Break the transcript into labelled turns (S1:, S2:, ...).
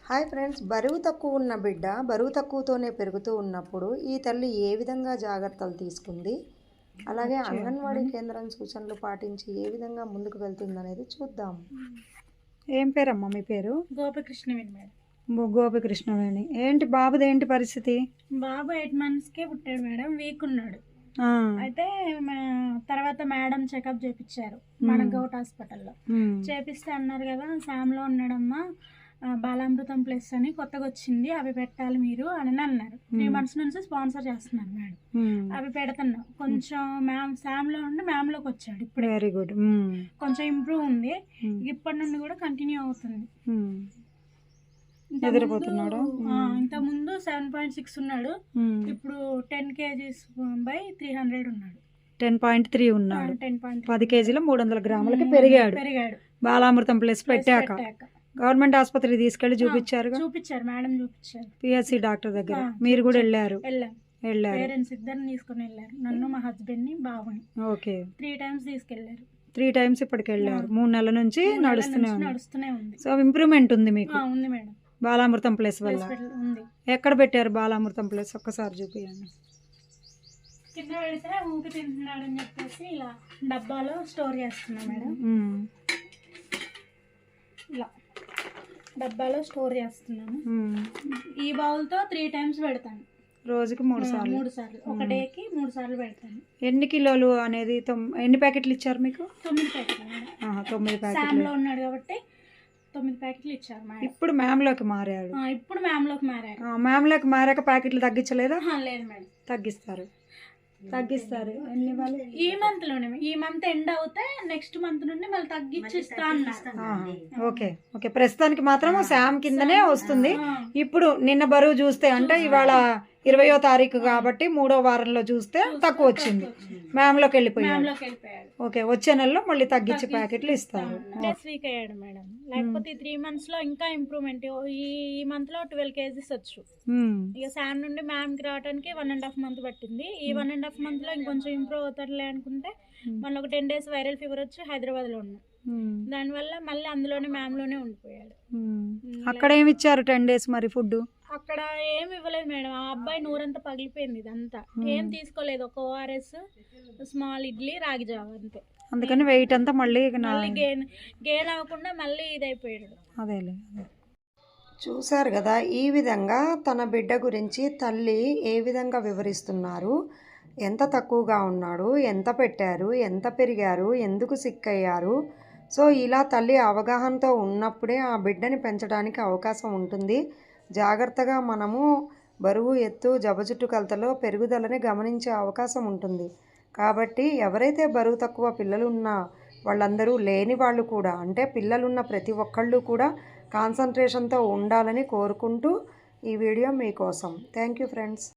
S1: Hi friends, బరువు తక్కువ ఉన్న బిడ్డ బరువు తక్కువతోనే పెరుగుతూ ఉన్నప్పుడు ఈ తల్లి ఏ విధంగా జాగ్రత్తలు తీసుకుంది, అలాగే అంగన్వాడీ కేంద్రం సూచనలు పాటించి ఏ విధంగా ముందుకు వెళ్తుందనేది చూద్దాం.
S2: ఏం పేరమ్మా మీ పేరు?
S3: గోపికృష్ణవేణి మేడం.
S2: గోపికృష్ణవేణి. ఏంటి బాబుది ఏంటి పరిస్థితి?
S3: బాబు 8 monthsకే పుట్టాడు మేడం, వీక్ ఉన్నాడు. అయితే తర్వాత మేడం చెకప్ చేపించారు మన గౌట్ హాస్పిటల్లో. చేపిస్తే అన్నారు కదా, శామ్లో ఉన్నాడమ్మా, బాలామృతం ప్లస్ అని కొత్తగా వచ్చింది, అవి పెట్టాలి మీరు అని అన్నారు. 3 months నుంచి స్పాన్సర్ చేస్తున్నారు మేడం. అవి పెడుతున్నాం. కొంచెం శామ్లో ఉండి మ్యామ్లోకి వచ్చాడు ఇప్పుడు.
S2: Very good.
S3: కొంచెం ఇంప్రూవ్ ఉంది. ఇప్పటి నుండి కూడా కంటిన్యూ అవుతుంది.
S2: ఎదిరిపోతున్నాడు.
S3: ఇంత ముందు 7.6 ఉన్నాడు, ఇప్పుడు 10 kgs by 300 ఉన్నాడు.
S2: 10.3 ఉన్నాడు. 10 kgలో 300 గ్రాములకి పెరిగాడు. బాలామృతం ప్లస్ పెట్టాక గవర్నమెంట్ ఆసుపత్రికి తీసుకెళ్లి చూపించారు
S3: మేడం, చూపించారు
S2: పిఎస్సి డాక్టర్ దగ్గర. మీరు కూడా వెళ్ళారు?
S3: పేరెంట్స్ ఇద్దరిని తీసుకుని వెళ్ళారు, నన్ను, మా హస్బెండ్ ని, బాబుని.
S2: ఓకే,
S3: 3 times తీసుకెళ్లారు.
S2: 3 times ఇప్పటికి వెళ్ళారు. 3 నెలల నుంచి నడుస్తూనే
S3: ఉంది.
S2: సో ఇంప్రూవ్మెంట్ ఉంది మీకు?
S3: ఉంది మేడం.
S2: బాలామృతం ప్లస్ వల్ల
S3: ఉంది.
S2: ఎక్కడ పెట్టారు బాలామృతం ప్లస్? ఒక్కసారి చూపించండి.
S3: కింద పెడితే ఊపి తింటున్నాడు అని చెప్పేసి ఇలా డబ్బాలో స్టోర్ చేస్తున్నా మేడం. ఇలా డబ్బాలో స్టోర్ చేస్తున్నాను. ఈ బౌల్తో 3 times పెడతాను.
S2: రోజుకి 3 సార్లు.
S3: ఒక డేకి 3 సార్లు పెడతాను.
S2: ఎన్ని కిలోలు అనేది ఎన్ని ప్యాకెట్లు ఇచ్చారు మీకు?
S3: 9 ప్యాకెట్లు.
S2: 9 ప్యాకెట్లు.
S3: శామ్లో ఉన్నాడు కాబట్టి 9 ప్యాకెట్లు ఇచ్చారు మేడం.
S2: ఇప్పుడు మ్యామ్లోకి మారాడు.
S3: ఇప్పుడు మ్యామ్లోకి
S2: మ్యామ్లోకి మారాక ప్యాకెట్లు తగ్గించలేదా?
S3: లేదు మేడం,
S2: తగ్గిస్తారు. ఎన్ని ఇవ్వాలి?
S3: ఈ మంత్ లోనే, ఈ మంత్ ఎండ్ అవుతే నెక్స్ట్ మంత్ నుండి మళ్ళీ తగ్గించిస్తా అన్నారు.
S2: ఓకే. ప్రస్తుతానికి మాత్రం శామ్ కిందనే వస్తుంది. ఇప్పుడు నిన్న బరువు చూస్తే, అంటే ఇవాళ 20వ తారీఖు కాబట్టి 3వ వారంలో చూస్తే తక్కువ వచ్చింది. మ్యామ్లోకి వెళ్ళిపోయాడు. ఓకే, వచ్చే నెలలో మళ్ళీ తగ్గించి ప్యాకెట్లు ఇస్తారు.
S3: వీక్ అయ్యాడు మేడం, లేకపోతే 3 months లో ఇంకా ఇంప్రూవ్మెంట్. ఈ మంత్ లో 12 kgs వచ్చు. ఇక శామ్ నుండి మ్యామ్ కి రావడానికి 1.5 month పట్టింది. ఈ 1.5 month లో ఇంకొంచెం ఇంప్రూవ్ అవుతాడులే అనుకుంటే మళ్ళీ ఒక 10 days వైరల్ ఫీవర్ వచ్చి హైదరాబాద్ లో ఉన్నా. దానివల్ల మళ్ళీ అందులోనే మ్యామ్ లోనే ఉండిపోయాడు.
S2: అక్కడ ఏమి ఇచ్చారు 10 days మరి ఫుడ్?
S3: అక్కడ ఏమి ఇవ్వలేదు మేడం. ఆ అబ్బాయి నూరంతా పగిలిపోయింది. ఇదంతా ఏం తీసుకోలేదు. ఒక ORS, స్మాల్ ఇడ్లీ, రాగి జావ అంతే.
S2: అందుకని వెయిట్ అంతా మళ్ళీ
S3: గెయిన్ అవ్వకుండా మళ్ళీ ఇదైపోయాడు.
S2: అదేలే.
S1: చూశారు కదా, ఈ విధంగా తన బిడ్డ గురించి తల్లి ఏ విధంగా వివరిస్తున్నారు. ఎంత తక్కువగా ఉన్నాడు, ఎంత పెట్టారు, ఎంత పెరిగారు, ఎందుకు సిక్ అయ్యారు. సో ఇలా తల్లి అవగాహనతో ఉన్నప్పుడే ఆ బిడ్డని పెంచడానికి అవకాశం ఉంటుంది. జాగ్రత్తగా మనము బరువు, ఎత్తు, జబజుట్టు కొలతలో పెరుగుదలని గమనించే అవకాశం ఉంటుంది. కాబట్టి ఎవరైతే బరువు తక్కువ పిల్లలు ఉన్నా వాళ్ళందరూ, లేని వాళ్ళు కూడా, అంటే పిల్లలున్న ప్రతి ఒక్కళ్ళు కూడా కాన్సన్ట్రేషన్తో ఉండాలని కోరుకుంటూ ఈ వీడియో మీకోసం. Thank you friends.